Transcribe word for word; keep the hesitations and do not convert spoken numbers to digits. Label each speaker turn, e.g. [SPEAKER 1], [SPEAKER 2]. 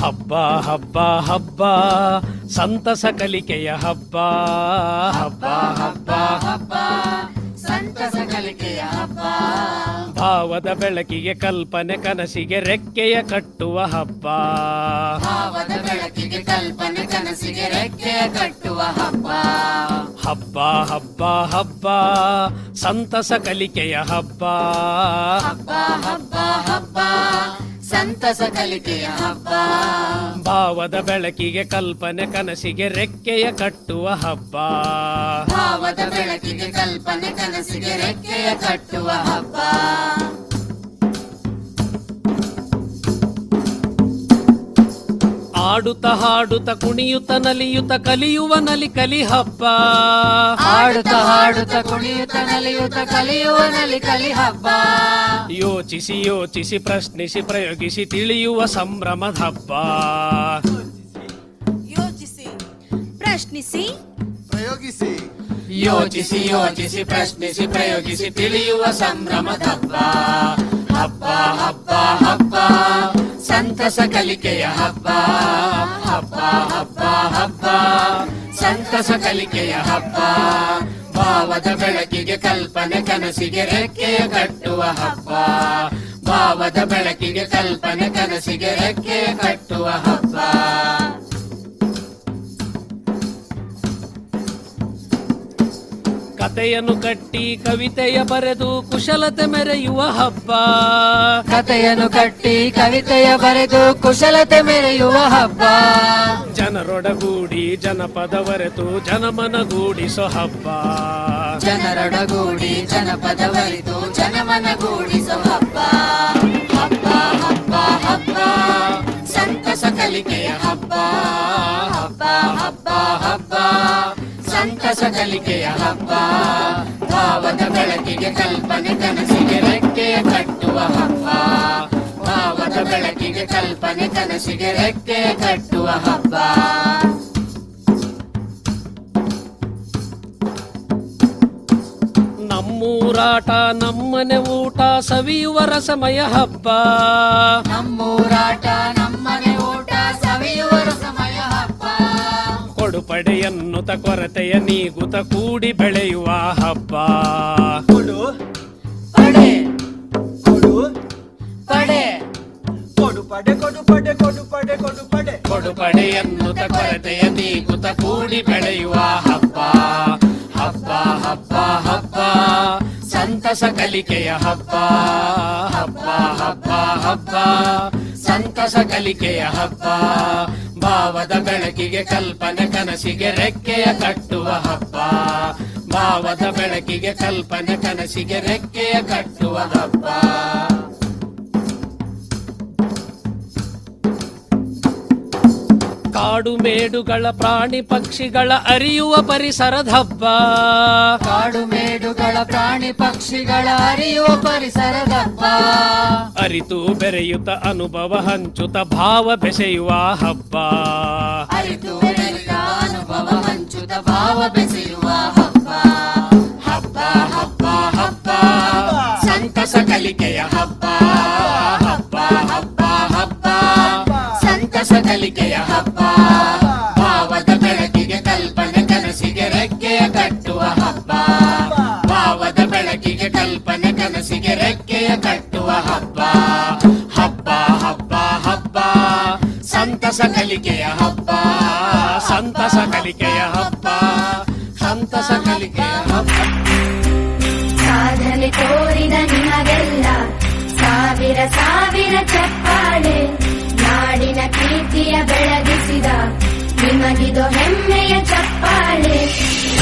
[SPEAKER 1] ಹಬ್ಬ ಹಬ್ಬ ಹಬ್ಬ ಸಂತಸ ಕಲಿಕೆಯ ಹಬ್ಬ. ಹಬ್ಬ ಹಬ್ಬ ಹಬ್ಬ
[SPEAKER 2] ಸಂತಸ ಕಲಿಕೆಯ ಹಬ್ಬ.
[SPEAKER 1] ಭಾವದ ಬೆಳಕಿಗೆ ಕಲ್ಪನೆ ಕನಸಿಗೆ ರೆಕ್ಕೆಯ ಕಟ್ಟುವ ಹಬ್ಬ.
[SPEAKER 2] ಭಾವದ ಬೆಳಕಿಗೆ ಕಲ್ಪನೆ ಕನಸಿಗೆ ರೆಕ್ಕೆಯ ಕಟ್ಟುವ ಹಬ್ಬ.
[SPEAKER 1] ಹಬ್ಬ ಹಬ್ಬ ಹಬ್ಬ ಸಂತಸ ಕಲಿಕೆಯ ಹಬ್ಬ.
[SPEAKER 2] ಹಬ್ಬ ಹಬ್ಬ ಹಬ್ಬ ಸಂತಸ ಕಲಿಕೆಯ ಹಬ್ಬ.
[SPEAKER 1] ಭಾವದ ಬೆಳಕಿಗೆ ಕಲ್ಪನೆ ಕನಸಿಗೆ ರೆಕ್ಕೆಯ ಕಟ್ಟುವ ಹಬ್ಬ.
[SPEAKER 2] ಭಾವದ ಬೆಳಕಿಗೆ ಕಲ್ಪನೆ ಕನಸಿಗೆ ರೆಕ್ಕೆಯ ಕಟ್ಟುವ ಹಬ್ಬ.
[SPEAKER 1] ಆಡುತ್ತ ಹಾಡುತ್ತ ಕುಣಿಯುತ್ತ ನಲಿಯುತ್ತ ಕಲಿಯುವ ನಲಿ ಕಲಿ ಹಬ್ಬ.
[SPEAKER 2] ಆಡುತ್ತ ಹಾಡುತ್ತ ಕುಣಿಯುತ್ತ ನಲಿಯುತ್ತ ಕಲಿಯುವ ನಲಿ ಕಲಿ ಹಬ್ಬ.
[SPEAKER 1] ಯೋಚಿಸಿ ಯೋಚಿಸಿ ಪ್ರಶ್ನಿಸಿ ಪ್ರಯೋಗಿಸಿ ತಿಳಿಯುವ ಸಂಭ್ರಮದ ಹಬ್ಬ.
[SPEAKER 3] ಯೋಚಿಸಿ ಪ್ರಶ್ನಿಸಿ
[SPEAKER 4] ಪ್ರಯೋಗಿಸಿ
[SPEAKER 2] ಯೋಚಿಸಿ ಯೋಚಿಸಿ ಪ್ರಶ್ನಿಸಿ ಪ್ರಯೋಗಿಸಿ ತಿಳಿಯುವ ಸಂಭ್ರಮದ ಹಬ್ಬ. ಹಬ್ಬ ಹಬ್ಬ ಹಬ್ಬ ಸಂತಸ ಕಲಿಕೆಯ ಹಬ್ಬ. ಹಬ್ಬ ಹಬ್ಬ ಹಬ್ಬ ಸಂತಸ ಕಲಿಕೆಯ ಹಬ್ಬ. ಭಾವದ ಬೆಳಕಿಗೆ ಕಲ್ಪನೆ ಕನಸಿಗೆ ರೆಕ್ಕೆಯ ಕಟ್ಟುವ ಹಬ್ಬ. ಭಾವದ ಬೆಳಕಿಗೆ ಕಲ್ಪನೆ ಕನಸಿಗೆ ರೆಕ್ಕೆಯ ಕಟ್ಟುವ ಹಬ್ಬ.
[SPEAKER 1] ಕತೆಯನ್ನು ಕಟ್ಟಿ ಕವಿತೆಯ ಬರೆದು ಕುಶಲತೆ ಮೆರೆಯುವ ಹಬ್ಬ.
[SPEAKER 2] ಕತೆಯನ್ನು ಕಟ್ಟಿ ಕವಿತೆಯ ಬರೆದು ಕುಶಲತೆ ಮೆರೆಯುವ ಹಬ್ಬ.
[SPEAKER 1] ಜನರೊಡಗೂಡಿ ಜನಪದವರೆತು ಜನಮನಗೂಡಿಸೋ ಹಬ್ಬ.
[SPEAKER 2] ಜನರೊಡಗೂಡಿ ಜನಪದವರಿತು ಜನಮನಗೂಡಿಸೋ ಹಬ್ಬ. ಹಬ್ಬ ಹಬ್ಬ ಹಬ್ಬ ಸಂತಸ ಕಲಿಕೆಯ ಹಬ್ಬ. ಹಬ್ಬ ಹಬ್ಬ ಹಬ್ಬ ಸಂತಸ ಕಲಿಕೆಯ ಹಬ್ಬ. ಭಾವದ ಬೆಳಕಿಗೆ ಕಲ್ಪನೆ ಕನಸಿಗೆ ರೆಕ್ಕೆಯ ಕಟ್ಟುವ ಹಬ್ಬ. ಭಾವದ ಬೆಳಕಿಗೆ ಕಲ್ಪನೆ ಕನಸಿಗೆ ರೆಕ್ಕೆಯ ಕಟ್ಟುವ ಹಬ್ಬ.
[SPEAKER 1] ನಮ್ಮೂರಾಟ ನಮ್ಮನೆ ಊಟ ಸವಿಯುವ ರಸಮಯ ಹಬ್ಬ.
[SPEAKER 2] ನಮ್ಮೂರಾಟ ನಮ್ಮನೆ ಊಟ ಸವಿಯುವ ರಸಮಯ ಹಬ್ಬ.
[SPEAKER 1] ಕೊಡುಪಡೆ ಎನ್ನುತ್ತ ಕೊರತೆಯ ನೀಗುತ್ತ ಕೂಡಿ ಬೆಳೆಯುವ ಹಬ್ಬ.
[SPEAKER 4] ಕೊಡು
[SPEAKER 2] ಪಡೆ
[SPEAKER 4] ಕೊಡು
[SPEAKER 2] ಪಡೆ
[SPEAKER 4] ಕೊಡು ಪಡೆ ಕೊಡು ಪಡೆ ಕೊಡು ಪಡೆ ಕೊಡು ಪಡೆ
[SPEAKER 1] ಕೊಡುಪಡೆ ಎನ್ನುತ್ತ ಕೊರತೆಯ ನೀಗುತ್ತ ಕೂಡಿ ಬೆಳೆಯುವ ಹಬ್ಬ. ಹಬ್ಬ ಹಬ್ಬ ಹಬ್ಬ ಸಂತಸ ಕಲಿಕೆಯ ಹಬ್ಬ. ಹಬ್ಬ ಹಬ್ಬ ಹಬ್ಬ ಸಂತಸ ಕಲಿಕೆಯ ಹಬ್ಬ. ಭಾವದ ಬೆಳಕಿಗೆ ಕಲ್ಪನೆ ಕನಸಿಗೆ ರೆಕ್ಕೆಯ ಕಟ್ಟುವ ಹಬ್ಬ. ಭಾವದ ಬೆಳಕಿಗೆ ಕಲ್ಪನೆ ಕನಸಿಗೆ ರೆಕ್ಕೆಯ ಕಟ್ಟುವ ಹಬ್ಬ. ಕಾಡು ಮೇಡುಗಳ ಪ್ರಾಣಿ ಪಕ್ಷಿಗಳ ಅರಿಯುವ ಪರಿಸರದ ಹಬ್ಬ.
[SPEAKER 2] ಕಾಡು ಮೇಡುಗಳ ಪ್ರಾಣಿ ಪಕ್ಷಿಗಳ ಅರಿಯುವ ಪರಿಸರದ ಹಬ್ಬ.
[SPEAKER 1] ಅರಿತು ಬೆರೆಯುತ್ತ ಅನುಭವ ಹಂಚುತ್ತ ಭಾವ ಬೆಸೆಯುವ ಹಬ್ಬ.
[SPEAKER 2] ಅರಿತು ಬೆರೆಯುತ್ತ ಅನುಭವ ಹಂಚುತ್ತ ಭಾವ ಬೆಸೆಯುವ ಹಬ್ಬ. ಹಬ್ಬ ಹಬ್ಬ ಹಬ್ಬ ಸಂತಸ ಕಲಿಕೆಯ ಹಬ್ಬ. ಹಬ್ಬ ಹಬ್ಬ ಹಬ್ಬ ಸಂತಸ ಕಲಿಕೆಯ ಹಬ್ಬ. ಭಾವದ ಬೆಳಕಿಗೆ ಕಲ್ಪನೆ ಕನಸಿಗೆ ರೆಕ್ಕೆಯ ಕಟ್ಟುವ ಹಬ್ಬ. ಭಾವದ ಬೆಳಕಿಗೆ ಕಲ್ಪನೆ ಕನಸಿಗೆ ರೆಕ್ಕೆಯ ಕಟ್ಟುವ ಹಬ್ಬ. ಹಬ್ಬ ಹಬ್ಬ ಹಬ್ಬ ಸಂತಸ ಕಲಿಕೆಯ ಹಬ್ಬ. ಸಂತಸ ಕಲಿಕೆಯ ಹಬ್ಬ. ಸಂತಸ ಕಲಿಕೆಯ ಹಬ್ಬ.
[SPEAKER 5] ಸಾಧನೆ ತೋರಿದ ನಿಮಗೆಲ್ಲ ಸಾವಿರ ಸಾವಿರ ಚಪ್ಪಾಳೆ. ನಾಡಿನ ಕೀರ್ತಿಯ ಬೆಳಗಿಸಿದ ನಿಮಗಿದು ಹೆಮ್ಮೆಯ ಚಪ್ಪಾಳೆ.